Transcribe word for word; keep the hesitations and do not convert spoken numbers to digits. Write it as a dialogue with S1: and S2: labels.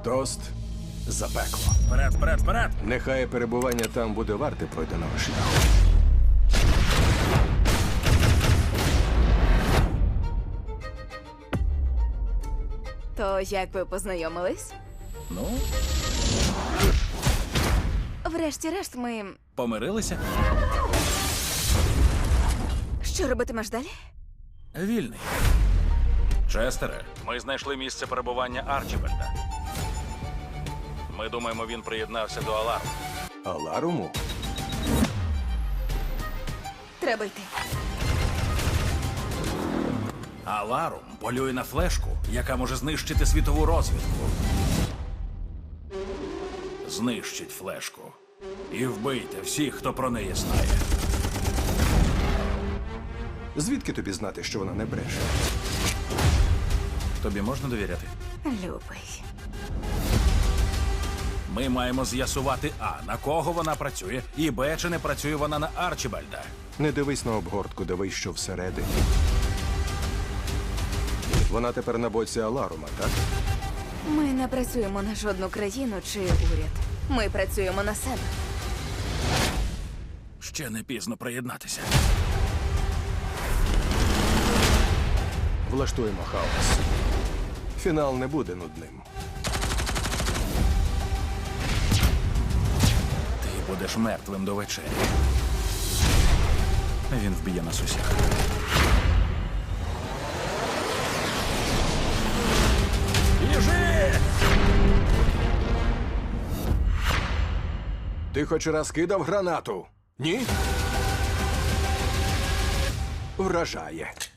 S1: Тост за пекло.
S2: Вперед, вперед, вперед!
S1: Нехай перебування там буде варте пройденого шляху.
S3: То як ви познайомились?
S2: Ну,
S3: Врешті-решт, ми.
S2: помирилися.
S3: Що робитимеш далі?
S2: Вільний. Честере, ми знайшли місце перебування Арчібальда. Ми думаємо, він приєднався до Аларму.
S1: Аларуму?
S3: Треба йти.
S2: Аларум полює на флешку, яка може знищити світову розвідку. Знищить флешку. І вбийте всіх, хто про неї знає.
S1: Звідки тобі знати, що вона не бреше?
S2: Тобі можна довіряти?
S3: Любий.
S2: Ми маємо з'ясувати А, на кого вона працює, і Б, чи не працює вона на Арчібальда.
S1: Не дивись на обгортку, дивись, що всередині. Вона тепер на боці Аларума, так?
S3: Ми не працюємо на жодну країну чи уряд. Ми працюємо на себе.
S2: Ще не пізно приєднатися.
S1: Влаштуємо хаос. Фінал не буде нудним.
S2: Ти будеш мертвим до вечері. Він вб'є нас усіх. Біжи!
S1: Ти хоч раз кидав гранату? Ні? Вражає.